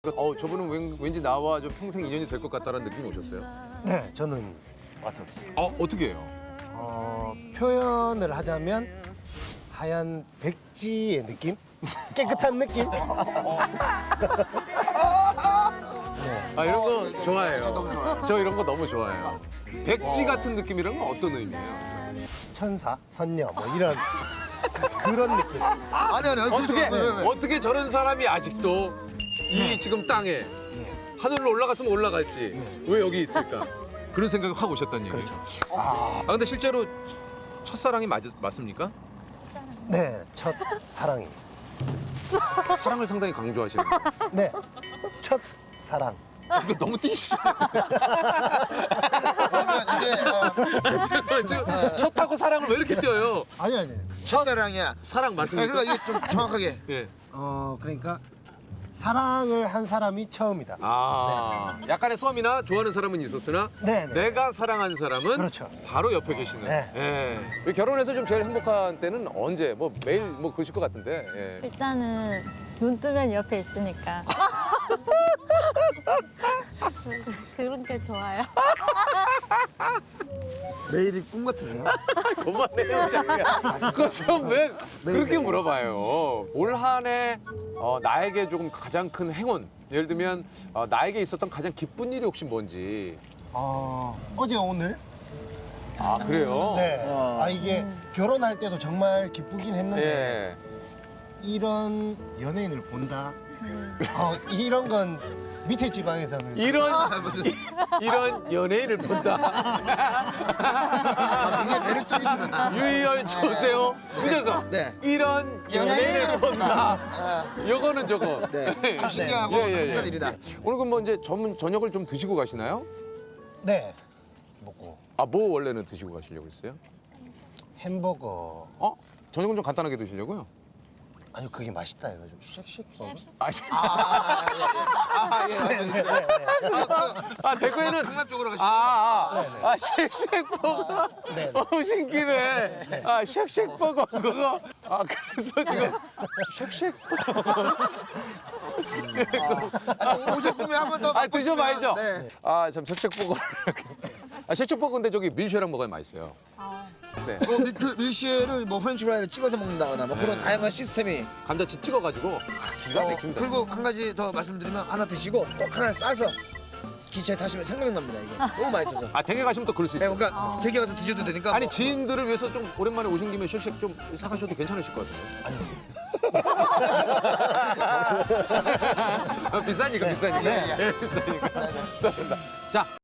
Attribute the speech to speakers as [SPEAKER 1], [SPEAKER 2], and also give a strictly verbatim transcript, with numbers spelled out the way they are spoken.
[SPEAKER 1] 어, 저분은 왠, 왠지 나와 좀 평생 인연이 될 것 같다는 느낌이 오셨어요?
[SPEAKER 2] 네, 저는 왔었어요.
[SPEAKER 1] 어, 어떻게 해요?
[SPEAKER 2] 어, 표현을 하자면 하얀 백지의 느낌? 깨끗한 느낌?
[SPEAKER 1] 아, 이런 거 좋아해요. 저 이런 거 너무 좋아해요. 백지 같은 느낌이란 건 어떤 의미예요?
[SPEAKER 2] 천사, 선녀 뭐 이런 그런 느낌.
[SPEAKER 3] 아니 아니 아니
[SPEAKER 1] 어떻게,
[SPEAKER 3] 왜, 왜, 왜?
[SPEAKER 1] 어떻게 저런 사람이 아직도 이 지금 땅에 하늘로 올라갔으면 올라갔지. 왜 여기 있을까? 그런 생각이 확 오셨다는 얘기예요.
[SPEAKER 2] 그렇죠.
[SPEAKER 1] 아, 근데 실제로 첫사랑이 맞, 맞습니까?
[SPEAKER 2] 네, 첫 사랑이.
[SPEAKER 1] 사랑을 상당히 강조하시는 거예요.
[SPEAKER 2] 네, 첫 사랑.
[SPEAKER 1] 이거 너무 띄시잖아요.
[SPEAKER 3] 그러면 이제 어,
[SPEAKER 1] 지금, 지금 첫하고 사랑을 왜 이렇게 띄어요?
[SPEAKER 2] 아니 아니.
[SPEAKER 3] 첫사랑이야.
[SPEAKER 1] 사랑
[SPEAKER 3] 아니,
[SPEAKER 1] 맞습니까?
[SPEAKER 3] 그러니까 이게 좀 정확하게
[SPEAKER 1] 예.
[SPEAKER 2] 어, 그러니까 사랑을 한 사람이 처음이다.
[SPEAKER 1] 아, 약간의 썸이나 좋아하는 사람은 있었으나
[SPEAKER 2] 네, 네.
[SPEAKER 1] 내가 사랑한 사람은
[SPEAKER 2] 그렇죠.
[SPEAKER 1] 바로 옆에 계시는.
[SPEAKER 2] 네.
[SPEAKER 1] 예. 우리 결혼해서 좀 제일 행복한 때는 언제? 뭐 매일 뭐 그러실 것 같은데. 예.
[SPEAKER 4] 일단은 눈 뜨면 옆에 있으니까 그런 게 좋아요.
[SPEAKER 3] 매일이 꿈 같으세요?
[SPEAKER 1] 그만해요, 자기야. 그거 좀왜 그렇게 물어봐요. 올 한 해 어, 나에게 조금 가장 큰 행운. 예를 들면 어, 나에게 있었던 가장 기쁜 일이 혹시 뭔지.
[SPEAKER 2] 어, 어제 오늘.
[SPEAKER 1] 아, 그래요?
[SPEAKER 2] 네. 아 이게 결혼할 때도 정말 기쁘긴 했는데
[SPEAKER 1] 예.
[SPEAKER 2] 이런 연예인을 본다. 어, 이런 건 밑에 지방에서는
[SPEAKER 1] 이런
[SPEAKER 3] 무슨
[SPEAKER 1] 이런 연예인을 본다.
[SPEAKER 3] 아, 되게 매력적이시구나.
[SPEAKER 1] 유희열 조세호 그래서
[SPEAKER 3] 네.
[SPEAKER 1] 이런
[SPEAKER 3] 연예인을
[SPEAKER 1] 연예인을 본다.
[SPEAKER 3] 아,
[SPEAKER 1] 요거는 저거.
[SPEAKER 3] 네. 좀 신기하고
[SPEAKER 1] 예, 예, 예.
[SPEAKER 3] 행복한 일이다.
[SPEAKER 1] 오늘 그럼 뭐 이제 전 저녁을 좀 드시고 가시나요?
[SPEAKER 2] 네 먹고
[SPEAKER 1] 아, 뭐 원래는 드시고 가시려고 했어요?
[SPEAKER 2] 햄버거.
[SPEAKER 1] 어? 저녁은 좀 간단하게 드시려고요?
[SPEAKER 2] 아니 그게 맛있다 해가지고 쉑쉑 버거.
[SPEAKER 1] 아, 시-
[SPEAKER 3] 아, 예, 알겠어요.
[SPEAKER 1] 아 대구에는
[SPEAKER 3] 강남 쪽으로 가시면
[SPEAKER 1] 아, 아, 아, 쉑쉑버거.
[SPEAKER 2] 네, 네.
[SPEAKER 1] 오신 김에 아, 쉑쉑버거 그거. 아, 그래서 지금 쉑쉑버거.
[SPEAKER 3] 아니, 오셨으면 한 번 더
[SPEAKER 1] 아, 드셔봐야죠.
[SPEAKER 3] 네.
[SPEAKER 1] 아, 참 쉑쉑버거를 이렇게. 아, 쉑쉑버거 근데 저기 밀쉐랑 먹어야 맛있어요. 네.
[SPEAKER 3] 뭐 밀크 밀시에를 뭐 프렌치 프라이를 찍어서 먹는다거나 뭐 그런 다양한 시스템이
[SPEAKER 1] 감자칩 찍어가지고 아, 기가
[SPEAKER 3] 어,
[SPEAKER 1] 막힙니다.
[SPEAKER 3] 그리고 한 가지 더 말씀드리면 하나 드시고 꼭 하나 싸서 기차에 타시면 생각납니다 이게 너무 맛있어서.
[SPEAKER 1] 아, 댁에 가시면 또 그럴 수
[SPEAKER 3] 네,
[SPEAKER 1] 있어요.
[SPEAKER 3] 그러니까 댁에 가서 드셔도 되니까.
[SPEAKER 1] 아니,
[SPEAKER 3] 뭐,
[SPEAKER 1] 지인들을 위해서 좀 오랜만에 오신 김에 쉑쉑 좀 사가셔도 괜찮으실 것 같아요.
[SPEAKER 2] 아니요.
[SPEAKER 1] 아, 비싸니까, 비싸니까.
[SPEAKER 2] 네.
[SPEAKER 1] 예, 비싸니까. 좋습니다. 자.